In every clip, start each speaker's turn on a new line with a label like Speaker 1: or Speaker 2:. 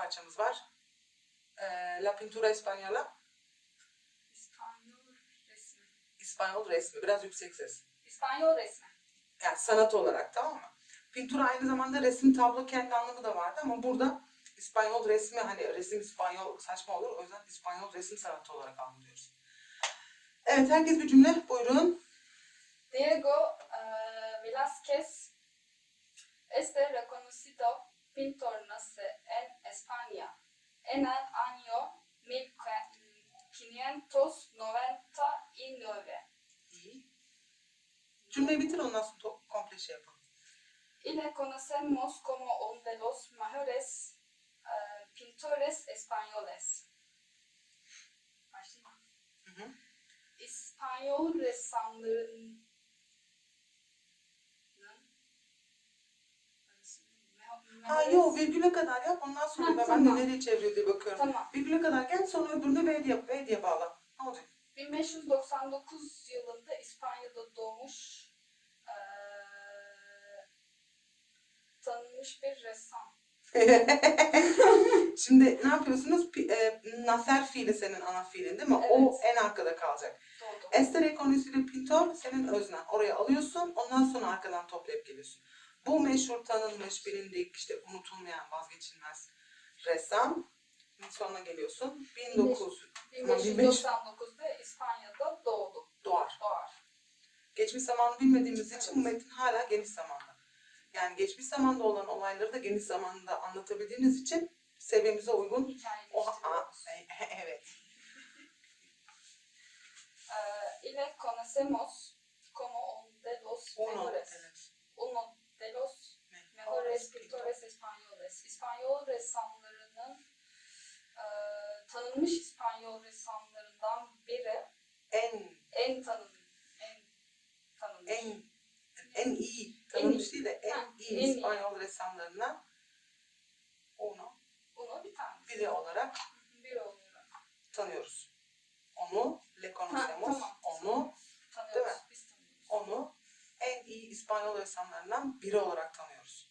Speaker 1: parçamız var. La Pintura Española.
Speaker 2: İspanyol resmi.
Speaker 1: İspanyol resmi. Biraz yüksek ses.
Speaker 2: İspanyol resmi.
Speaker 1: Yani sanat olarak, tamam mı? Pintura aynı zamanda resim, tablo kendi anlamı da vardı ama burada İspanyol resmi, hani resim İspanyol saçma olur. O yüzden İspanyol resim sanatı olarak anlıyoruz. Evet, herkes bir cümle. Buyurun.
Speaker 2: Diego Velázquez este reconocido pintor nace en España en el año 1599.
Speaker 1: İyi. Cümleyi bitir, ondan sonra komple şey yapalım.
Speaker 2: Y le conocemos como uno de los mejores pintores españoles. Başlayayım.
Speaker 1: Hı hı.
Speaker 2: İspanyol ressamlarının
Speaker 1: Ha yok, virgüle kadar yap, ondan sonra ben
Speaker 2: tamam.
Speaker 1: de nereye çeviriyor diye bakıyorum.
Speaker 2: Tamam.
Speaker 1: Virgüle kadar gel, sonra öbürünü V diye bağla. Ne olacak?
Speaker 2: 1599 yılında İspanya'da doğmuş tanınmış bir ressam.
Speaker 1: Şimdi ne yapıyorsunuz? Nacer fiili senin ana fiilin değil mi?
Speaker 2: Evet.
Speaker 1: O en arkada kalacak.
Speaker 2: Doğru.
Speaker 1: Este reconocido pintor senin öznen. Oraya alıyorsun, ondan sonra arkadan toplayıp geliyorsun. Bu meşhur, tanınmış, bilindik, işte unutulmayan, vazgeçilmez ressam. Sonuna geliyorsun.
Speaker 2: 1599'da İspanya'da doğdu.
Speaker 1: Doğar. Geçmiş zamanı bilmediğimiz için bu metin hala geniş zamanda. Yani geçmiş zamanda olan olayları da geniş zamanda anlatabildiğiniz için seviyemize uygun.
Speaker 2: Hikayeleştiriyoruz.
Speaker 1: Evet.
Speaker 2: Y le conocemos como uno de los mejores.
Speaker 1: Evet.
Speaker 2: Uno de los mejores pintores españoles. İspanyol ressamlarının tanınmış İspanyol ressamlarından biri. En tanınmış.
Speaker 1: En iyi, tanınmış değil de en iyi İspanyol ressamlarından onu
Speaker 2: bir tanesi.
Speaker 1: biri olarak tanıyoruz. Onu le conocemos,
Speaker 2: tamam.
Speaker 1: onu
Speaker 2: Tanıyoruz.
Speaker 1: değil mi?
Speaker 2: Biz tanıyoruz.
Speaker 1: Onu en iyi İspanyol ressamlarından biri olarak tanıyoruz.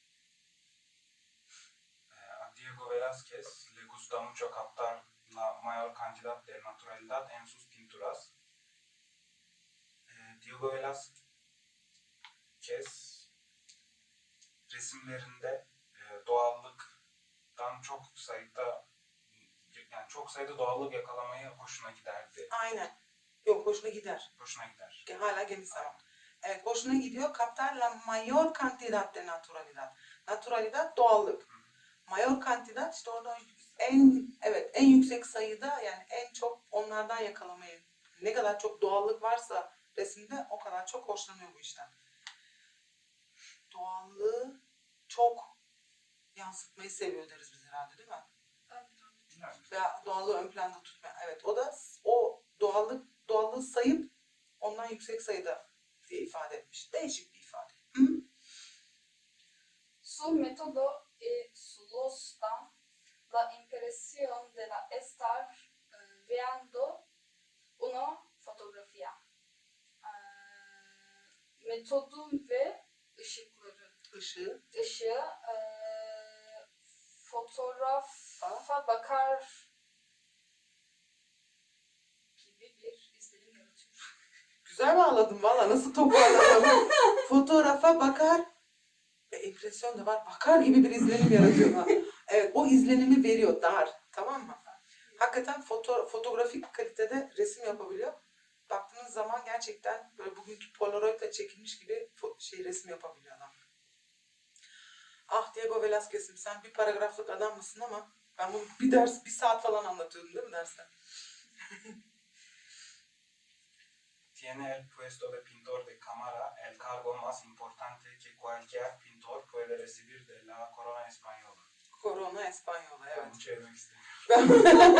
Speaker 3: A Diego Velázquez le gusta mucho captar la mayor cantidad de naturalidad en sus pinturas. Diego Velázquez resimlerinde doğallıktan çok sayıda doğallık yakalamayı hoşuna giderdi.
Speaker 1: Aynen. Yok, hoşuna gider.
Speaker 3: Hoşuna gider.
Speaker 1: Hala geniş zaman. Evet, hoşuna gidiyor. Captar la mayor cantidad de naturalidad. Naturalidad doğallık. Mayor cantidad işte orada en yüksek sayıda, yani en çok onlardan yakalamayı. Ne kadar çok doğallık varsa resimde o kadar çok hoşlanıyor bu işten. Doğallığı çok yansıtmayı seviyor deriz biz herhalde, değil mi? Veya doğallığı ön planda tutma. Evet, o da o doğallığı sayıp ondan yüksek sayıda diye ifade etmiş. Değişik bir ifade. Hı?
Speaker 2: Su método sulustan la impresión de la estar viendo una fotografía. Metodu ve ışıkları. Işığı fotoğrafa bakar gibi bir izlenim yaratıyor.
Speaker 1: Güzel bağladım valla, nasıl toparladım. Fotoğrafa bakar, impresyon da var, bakar gibi bir izlenim yaratıyor. Evet, o izlenimi veriyor, tamam mı? Hakikaten fotoğrafik kalitede resim yapabiliyor. Baktığınız zaman gerçekten böyle bugünkü Polaroid'la çekilmiş gibi resim yapabiliyor adam. Ah Diego Velázquez'im, sen bir paragraflık adam mısın ama ben bunu bir saat falan anlatıyordum değil mi derste?
Speaker 3: Tiene el puesto de pintor de cámara, el cargo más importante que cualquier pintor puede recibir de la corona española.
Speaker 1: Corona Española, evet.
Speaker 3: Bunu çevirmek istemiyorum.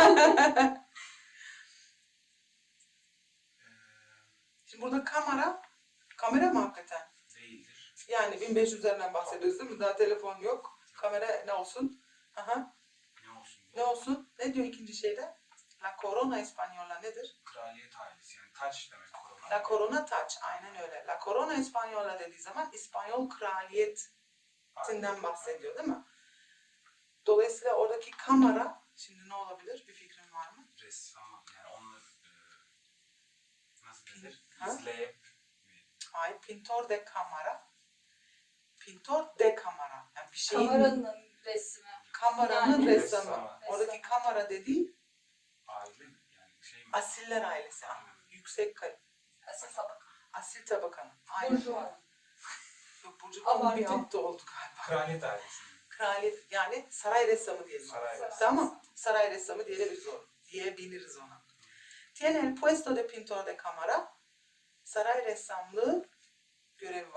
Speaker 1: Şimdi burada kamera mı hakikaten?
Speaker 3: Değildir.
Speaker 1: Yani 1500'lerden bahsediyoruz değil mi? Daha telefon yok. Kamera ne olsun? Aha. Ne olsun? Ne diyor ikinci şeyde? La Corona Española nedir?
Speaker 3: Kraliyet ailesi, yani taç demek korona.
Speaker 1: La Corona taç, aynen öyle. La Corona Española dediği zaman İspanyol kraliyetinden bahsediyor değil mi? Dolayısıyla oradaki kamera, şimdi ne olabilir? Bir fikrin var mı?
Speaker 3: Ressam, yani onları nasıl denir?
Speaker 1: Ha?
Speaker 3: İzleyip
Speaker 1: Hayır, pintor de kamera. Pintor de kamera. Yani bir şeyin
Speaker 2: Kameranın resmi.
Speaker 1: kameranın
Speaker 2: Yani
Speaker 1: ressamı.
Speaker 3: ressamı.
Speaker 1: Oradaki kamera dediği
Speaker 3: aile yani şey mi?
Speaker 1: asiller ailesi. Yüksek
Speaker 2: Asil tabaka.
Speaker 1: asil tabakanın. Aynen.
Speaker 2: Burjuva.
Speaker 1: Yok, Burcu'nun bir
Speaker 2: Abartı.
Speaker 1: altta oldu galiba.
Speaker 3: Kraliyet ailesi.
Speaker 1: Kraliyet, yani saray ressamı diyelim.
Speaker 3: Saray ressamı.
Speaker 1: Tamam. Saray ressamı diyebiliriz ona. Tiene el puesto de pintor de cámara. Saray ressamlığı görevi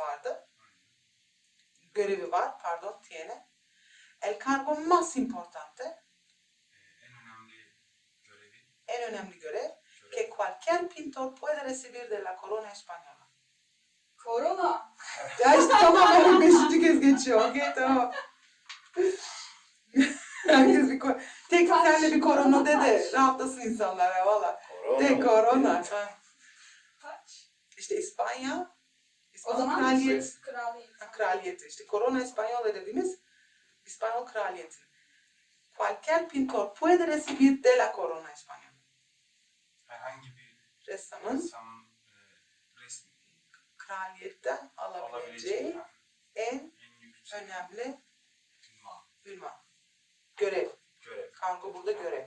Speaker 1: var, tiene. El cargo más importante,
Speaker 3: En önemli görev
Speaker 1: que cualquier pintor puede recibir de la corona española.
Speaker 2: Korona.
Speaker 1: Ya işte tamam, 5. kez geçiyor. Okey, tamam. Herkes tek senle bir korona de rahatlasın insanlar ya valla. De korona. Ha.
Speaker 2: Kaç?
Speaker 1: İşte İspanya
Speaker 2: O zaman
Speaker 1: kraliyet.
Speaker 2: kraliyet.
Speaker 1: Kraliyeti. İşte Corona Española dediğimiz İspanyol kraliyeti. Cualquier pintor puede recibir de la corona española.
Speaker 3: herhangi bir
Speaker 1: Ressamın
Speaker 3: ressamın resmi
Speaker 1: kraliyetten alabileceği
Speaker 3: alabileceği
Speaker 1: en
Speaker 3: en yüksek
Speaker 1: önemli
Speaker 3: ünvan,
Speaker 1: görev.
Speaker 3: görev.
Speaker 1: Kargo burada görev.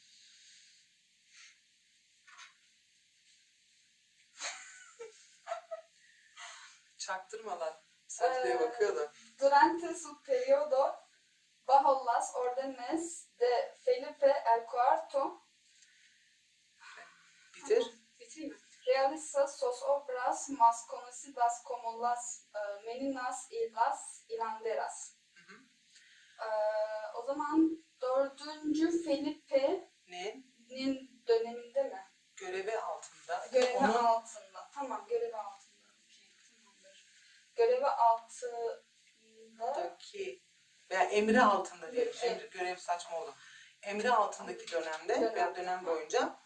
Speaker 1: Çaktırma lan. Secdeye bakıyor da.
Speaker 2: Durante su periodo bajo las órdenes de Felipe el Cuarto.
Speaker 1: Bitir.
Speaker 2: Bitireyim mi? Realiza sus obras más conocidas como las Meninas y las Hilanderas.
Speaker 1: Hı hı.
Speaker 2: O zaman 4. Felipe'nin döneminde mi?
Speaker 1: Görevi altında.
Speaker 2: Görevi
Speaker 1: Onun
Speaker 2: altında. Tamam, görevi altında. Okey, tamamdır. Görevi altında
Speaker 1: altındaki veya emri altında diyelim.
Speaker 2: Peki.
Speaker 1: Emri, görev saçma oldu. Emri altındaki dönemde veya dönem boyunca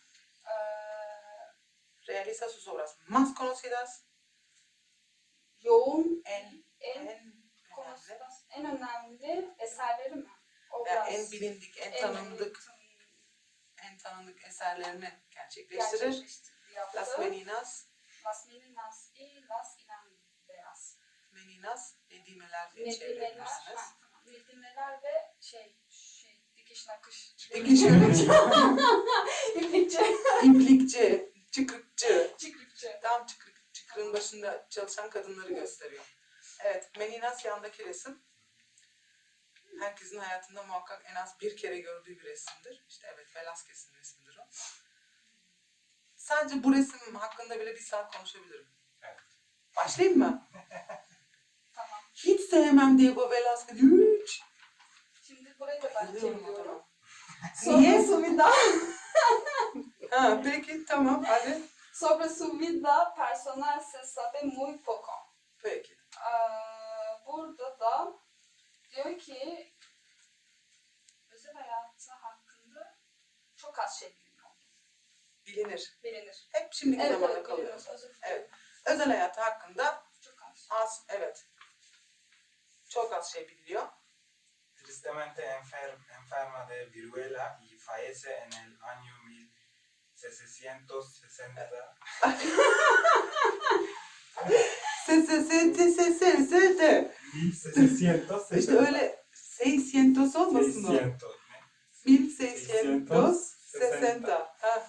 Speaker 1: realiza sus obras más conocidas,
Speaker 2: yoğun
Speaker 1: en
Speaker 2: en önemli eserleri mi?
Speaker 1: veya en bilindik, en tanındık eserlerini gerçekleştirir.
Speaker 2: Yaptı.
Speaker 1: Las Meninas,
Speaker 2: Las Meninas y las Hilanderas.
Speaker 1: Meninas, Nedimeler diye
Speaker 2: Nedimeler,
Speaker 1: çevirebilirsiniz.
Speaker 2: tamam. Nedimeler ve dikiş nakış.
Speaker 1: Dikiş yönetici,
Speaker 2: İplikçi.
Speaker 1: iplikçi, çıkrıkçı.
Speaker 2: Çıkrıkçı.
Speaker 1: Tam çıkrığın başında çalışan kadınları gösteriyor. Evet, Meninas yandaki resim. Herkesin hayatında muhakkak en az bir kere gördüğü bir resimdir. İşte evet, Velázquez'in resmidir o. Sadece bu resim hakkında bile bir saat konuşabilirim.
Speaker 3: Evet.
Speaker 1: Başlayayım mı?
Speaker 2: Tamam.
Speaker 1: Hiç sevmem Diego Velázquez. Hiç.
Speaker 2: Şimdi burayı da ben
Speaker 1: Bayılıyorum
Speaker 2: çeviriyorum.
Speaker 1: adama. Niye?
Speaker 2: Sobre su vida.
Speaker 1: Ha, peki tamam hadi.
Speaker 2: Sobre su vida personal se sabe muy poco.
Speaker 1: Peki.
Speaker 2: Burada da diyor ki özel hayatı hakkında çok az şey bilinir.
Speaker 1: Hep şimdiki zamanda kalıyor.
Speaker 2: biliyoruz. Özür dilerim.
Speaker 1: Evet. Özel hayatı hakkında
Speaker 2: Çok az.
Speaker 1: evet. Çok az şey biliniyor.
Speaker 3: Tristemente enferma de viruela y fallece en el año 1660.
Speaker 1: De.
Speaker 3: 1660.
Speaker 1: İşte öyle 600 olmasın o. 1660. Ha.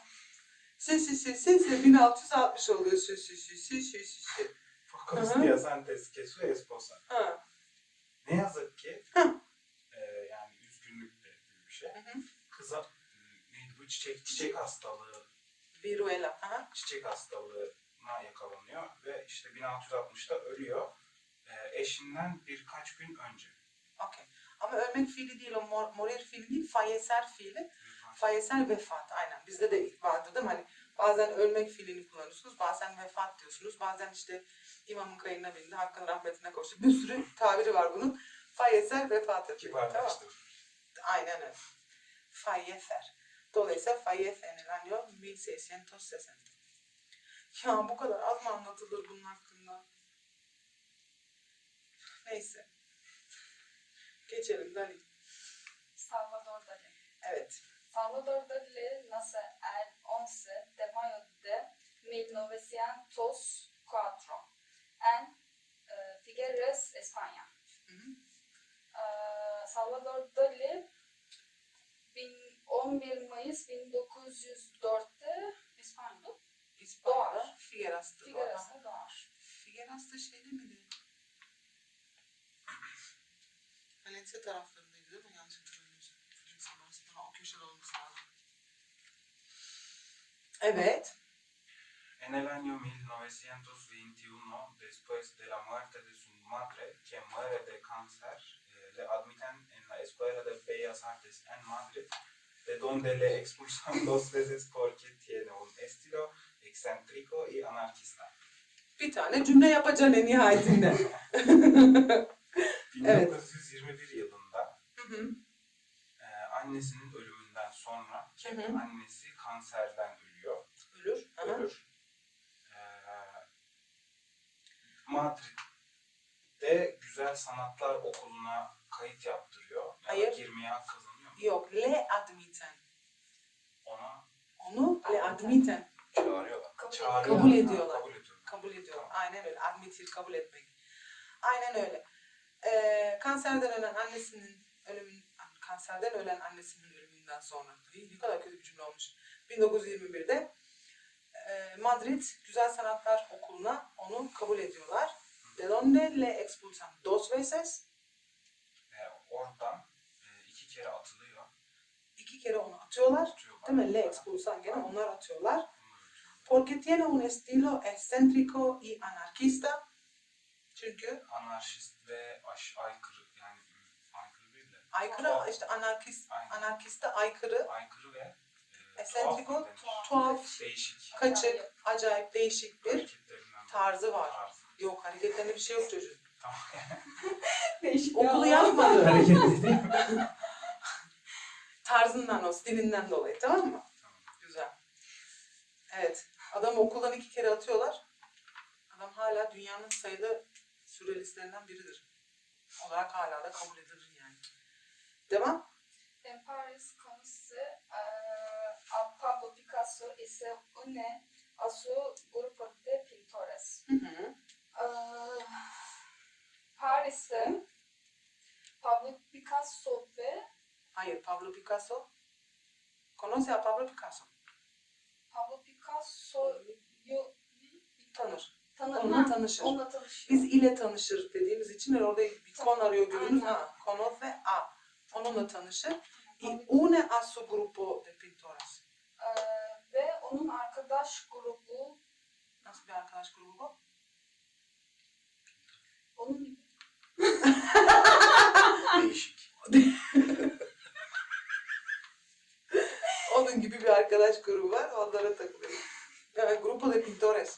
Speaker 1: 1660 oluyor.
Speaker 3: Pocos días antes que su esposa.
Speaker 1: Ha.
Speaker 3: Ne yazık ki
Speaker 1: Hı.
Speaker 3: yani üzgünlük de bir şey.
Speaker 1: Hı hı.
Speaker 3: Kıza neydi bu çiçek hastalığı,
Speaker 1: Viruela. Ha.
Speaker 3: çiçek hastalığına yakalanıyor ve işte 1660'ta ölüyor. Eşinden birkaç gün önce.
Speaker 1: Okey. Ama ölmek fiili değil, o morir fiili değil, fallecer fiili. Fallecer vefat, aynen. Bizde de vardır değil mi? Hani bazen ölmek fiilini kullanıyorsunuz, bazen vefat diyorsunuz, bazen işte imamın kayığına bindi, hakkın rahmetine koştu. Bir sürü tabiri var bunun. Fallecer vefat ediyor. Tamam.
Speaker 3: Kibarlaştı.
Speaker 1: Aynen öyle. Fallecer. Dolayısıyla fallece en el año 1660. Ya bu kadar az mı anlatılır bunun hakkında? Neyse. Geçelim Dali.
Speaker 2: Salvador Dali.
Speaker 1: Evet.
Speaker 2: Salvador Dali nace el 11 de mayo de 1904 en Figueres, España.
Speaker 1: Hı hı.
Speaker 2: Salvador Dali 11 Mayıs 1904'te İspanya'da
Speaker 1: İspanya'da
Speaker 2: Doğar.
Speaker 1: Figueras'ta doğar.
Speaker 2: Figueres'te doğar.
Speaker 1: Figueras da şeyde miydi? Valencia taraflarındaydı değil mi? Yanlış hatırlamıyorsam. O köşede olması lazım. Evet.
Speaker 3: En el año 1921, después de la muerte de su madre, que muere de cáncer, le admiten en la Escuela de Bellas Artes en Madrid, de donde le expulsan 2 veces porque tiene un estilo excéntrico y anarquista.
Speaker 1: Bir tane cümle yapacaksın en nihayetinde.
Speaker 3: 1921 yılında
Speaker 1: Hı hı.
Speaker 3: annesinin ölümünden sonra, ki
Speaker 1: Hı hı.
Speaker 3: annesi kanserden ölüyor,
Speaker 1: Ölür. Aha.
Speaker 3: ölür. Madrid'de Güzel Sanatlar Okulu'na kayıt yaptırıyor. Ya da
Speaker 1: Hayır.
Speaker 3: girmeye hak kazanıyor mu?
Speaker 1: Yok. Le admiten.
Speaker 3: Ona
Speaker 1: Onu le admiten.
Speaker 3: çağırıyorlar.
Speaker 2: Kabul
Speaker 3: Çağırıyorlar.
Speaker 1: Kabul
Speaker 3: Ha,
Speaker 1: ediyorlar.
Speaker 3: kabul ediyorlar.
Speaker 1: Kabul ediyor. Aynen öyle. Admitir, kabul etmek. Aynen öyle. Kanserden ölen annesinin ölümünden sonra. Ne kadar kötü bir cümle olmuş. 1921'de Madrid Güzel Sanatlar Okulu'na onu kabul ediyorlar. De donde le expulsan 2 veces.
Speaker 3: Oradan 2 kere atılıyor.
Speaker 1: 2 kere onu atıyorlar.
Speaker 3: Atıyorlar.
Speaker 1: Değil mi? Le expulsan gene onlar atıyorlar.
Speaker 3: Onları atıyorlar.
Speaker 1: Porque tiene un estilo excéntrico y anarquista. Çünkü
Speaker 3: Anarşist ve aykırı, yani aykırı değil de
Speaker 1: aykırı işte anarkiste aykırı,
Speaker 3: aykırı ve
Speaker 1: Excéntrico,
Speaker 3: tuhaf mı denir?
Speaker 1: tuhaf,
Speaker 3: Değişik
Speaker 1: kaçık, acayip değişik bir
Speaker 3: hareketlerinden
Speaker 1: tarzı var.
Speaker 3: tarzı.
Speaker 1: Yok, hareketlerinde bir şey yok çocuğun.
Speaker 3: Tamam.
Speaker 2: Değişik
Speaker 1: Okulu
Speaker 2: ya.
Speaker 1: yapmadı.
Speaker 3: Hareketli değil mi?
Speaker 1: Tarzından, o stilinden dolayı, tamam mı?
Speaker 3: Tamam.
Speaker 1: Güzel. Evet, adam okuldan 2 kere atıyorlar. Adam hala dünyanın sayılı sürrealistlerinden biridir. Olarak hala da kabul edilir yani. Devam.
Speaker 2: En Paris conoce a Pablo Picasso y se une a su grupo de pintores.
Speaker 1: Hı hı.
Speaker 2: Paris'te Pablo Picasso ve
Speaker 1: Hayır, Pablo Picasso. Conoce a Pablo Picasso.
Speaker 2: Pablo Picasso'yu
Speaker 1: Tanır.
Speaker 2: tanır.
Speaker 1: Onunla tanışır.
Speaker 2: Onunla tanışıyor.
Speaker 1: Biz ile tanışır dediğimiz için orada bir kon arıyor görürüz.
Speaker 2: Aynen.
Speaker 1: Ha, conoce a. Onunla tanışır. Y
Speaker 2: Tabii.
Speaker 1: une a su grupo de pintores.
Speaker 2: Ve onun arkadaş grubu
Speaker 1: Nasıl bir arkadaş grubu bu?
Speaker 2: onun gibi.
Speaker 3: Değişik.
Speaker 1: Onun gibi bir arkadaş grubu var. Onlara takılıyor. Yani grupo de pintores.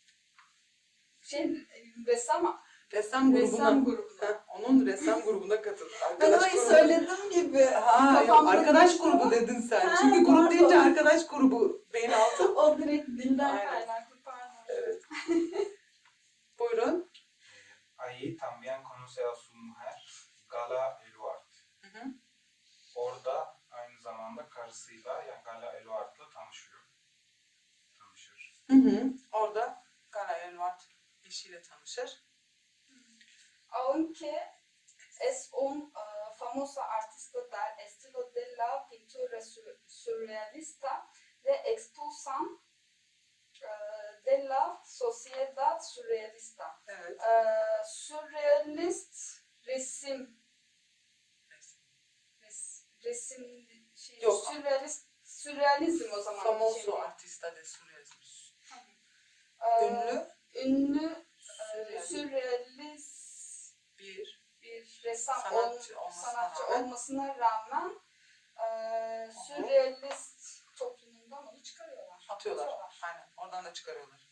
Speaker 2: Ressam
Speaker 1: Ressam grubuna.
Speaker 2: grubuna.
Speaker 1: Ha, onun ressam grubuna katılır.
Speaker 2: Ben
Speaker 1: Arkadaş
Speaker 2: orayı
Speaker 1: grubu.
Speaker 2: söyledim gibi.
Speaker 1: Ha, yok,
Speaker 2: Kafamda
Speaker 1: arkadaş
Speaker 2: geçti
Speaker 1: grubu
Speaker 2: ama-
Speaker 1: dedin sen.
Speaker 2: Ha,
Speaker 1: Çünkü grup
Speaker 2: pardon.
Speaker 1: deyince arkadaş grubu beyin altı.
Speaker 2: O direkt dilden
Speaker 1: Aynen.
Speaker 2: kaynaklı, pardon.
Speaker 1: Evet. Buyurun.
Speaker 3: Ahí también conoce a su mujer, Gala Eluard.
Speaker 1: Hı hı.
Speaker 3: Orada aynı zamanda karısıyla, yani Gala Eluard'la tanışır.
Speaker 1: Hı hı. Orada Gala Eluard eşiyle tanışır.
Speaker 2: Aunque es un famoso artista del estilo de la pintura surrealista, le expulsan de la sociedad surrealista.
Speaker 1: Evet.
Speaker 2: Surrealist resim
Speaker 1: Yok.
Speaker 2: sürrealizm o zaman.
Speaker 1: Famoso artista de surrealismo. Ünlü
Speaker 2: Ünlü
Speaker 1: Sürrealist.
Speaker 2: sürrealist
Speaker 1: bir
Speaker 2: ressam
Speaker 1: sanatçı
Speaker 2: sanatçı olmasına rağmen sürrealist toplumundan onu çıkarıyorlar.
Speaker 1: atıyorlar. Aynen. Oradan da çıkarıyorlar.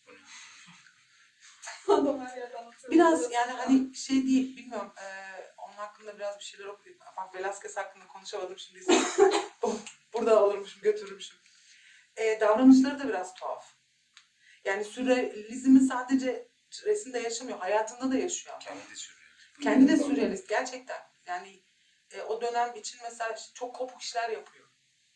Speaker 2: Adam her yerden atıyor.
Speaker 1: Biraz yani hani şey değil, bilmiyorum. Onun hakkında biraz bir şeyler okuyayım. Bak Velázquez hakkında konuşamadım şimdi. Burada alırmışım, götürürmüşüm. Davranışları da biraz tuhaf. Yani sürrealizmi sadece resimde yaşamıyor, hayatında da yaşıyor.
Speaker 3: Kendi sürüyor.
Speaker 1: Kendi de sürrealist gerçekten. Yani O dönem için mesela çok kopuk işler yapıyor.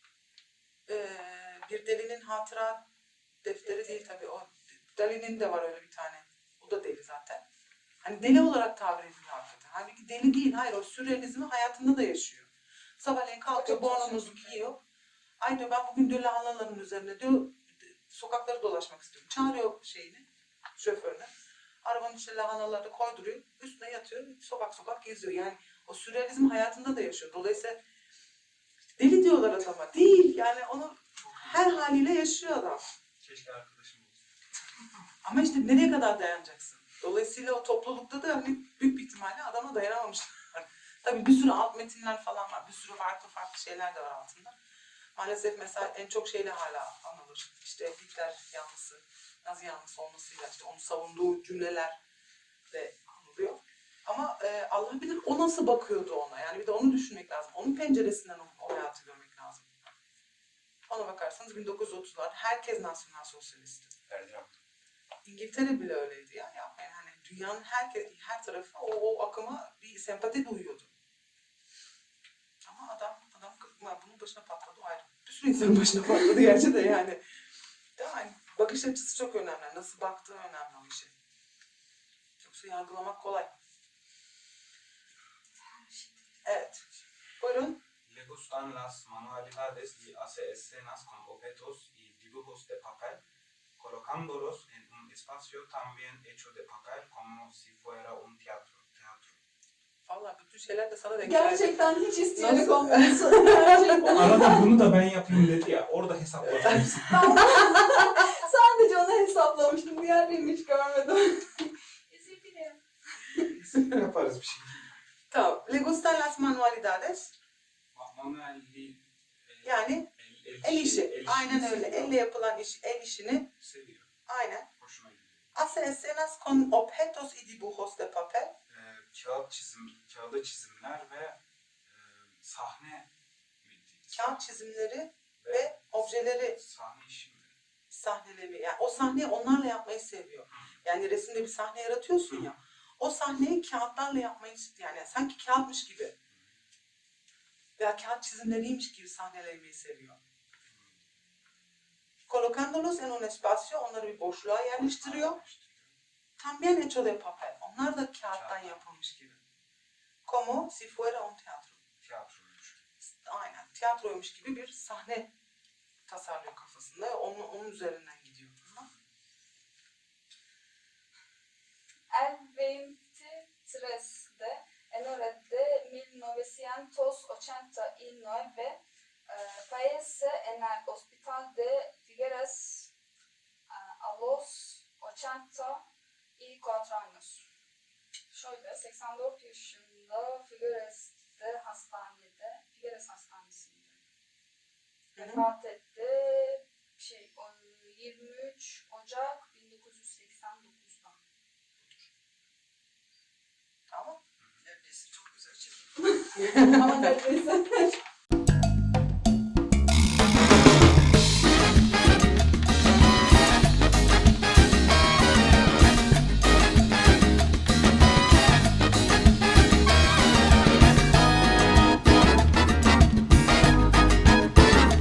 Speaker 1: Bir delinin hatıra defteri değil tabii. O Dali'nin de var öyle bir tane. O da deli zaten. Hani deli olarak tabir ediliyor hakikaten. Halbuki deli değil. Hayır, o sürrealizmi hayatında da yaşıyor. Sabahleyin kalkıyor,
Speaker 2: Çok
Speaker 1: bornomuzu
Speaker 2: şaşırdım.
Speaker 1: giyiyor. Ay diyor, ben bugün diyor lahanaların üzerine diyor sokakları dolaşmak istiyorum. Çağırıyor şoförünü. Arabanın içine lahanaları koyduruyor. Üstüne yatıyor. Sokak sokak geziyor. Yani o sürrealizm hayatında da yaşıyor. Dolayısıyla deli diyorlar adama. Değil. Yani onu her haliyle yaşıyor adam.
Speaker 3: Keşke arkadaşım olsa.
Speaker 1: Ama işte nereye kadar dayanacaksın? Dolayısıyla o toplulukta da hani büyük bir ihtimalle adama dayanamamışlar. Tabii bir sürü alt metinler falan var. Bir sürü farklı farklı şeyler de var altında. Maalesef mesela en çok şeyle hala anılır. İşte Hitler yanlısı, Nazi yanlısı olmasıyla işte onu savunduğu cümleler de anılıyor. Ama Allah bilir o nasıl bakıyordu ona. Yani bir de onu düşünmek lazım. Onun penceresinden o hayatı görmek lazım. Ona bakarsanız 1930'lar herkes nasyonal sosyalisti.
Speaker 3: Erdem.
Speaker 1: İngiltere bile öyleydi ya. Yani hani dünyanın her tarafı o akıma bir sempati duyuyordu. Ama adam bunun başına patladı, o ayrı. Bir sürü insanın başına patladı gerçi de yani. Yani bakış açısı çok önemli. Nasıl baktığı önemli o işe. Yoksa yargılamak kolay. Evet. Buyurun.
Speaker 3: Le gustan las manualidades y hace escenas con objetos y dibujos de papel, colocándolos en un espacio también hecho de papel como si fuera un teatro.
Speaker 1: Vallahi bütün şeyler de sana denk geldi.
Speaker 2: Gerçekten hiç isteyerek
Speaker 1: Nasıl?
Speaker 2: olmuyorsun. Gerçekten.
Speaker 3: Arada bunu da ben yapayım dedi ya, orada hesapladım.
Speaker 2: Sadece onu hesaplamıştım. Diğerlerini hiç görmedim. Özür dilerim.
Speaker 3: Yaparız bir şey.
Speaker 1: Tamam. Le gustan las manualidades.
Speaker 3: Manuelli,
Speaker 1: Yani el işi. Aynen öyle.
Speaker 3: seviyor.
Speaker 1: Elle yapılan iş, el işini.
Speaker 3: Seviyor.
Speaker 1: Aynen.
Speaker 3: Hoşuna gidiyor.
Speaker 1: Hace escenas con objetos y dibujos de papel.
Speaker 3: Kağıda çizimler ve sahne
Speaker 1: Kağıt çizimleri ve objeleri,
Speaker 3: sahne işi mi?
Speaker 1: sahneleri. Yani o sahneyi onlarla yapmayı seviyor. Yani resimde bir sahne yaratıyorsun ya. O sahneyi kağıtlarla yapmayı, yani sanki kağıtmış gibi veya kağıt çizimleriymiş gibi sahnelemeyi seviyor. Colocándolos en un espacio, onları bir boşluğa yerleştiriyor. También hecho de papel. Onlar da kağıttan yapılmış gibi. Como si fuera un teatro.
Speaker 3: Tiyatroymuş.
Speaker 1: Aynen. Tiyatroymuş gibi bir sahne tasarlıyor kafasında. Onun üzerinden gidiyor.
Speaker 2: El 23 de enero de 1989 fallece en el hospital de Figueres a los 84 años. Şöyle 84 yaşında Figueres Hastanesi'nde vefat etti. 23 Ocak 1989'da.
Speaker 1: Tamam. Neredeyse çok güzel çekim.
Speaker 2: Ama neredeyse.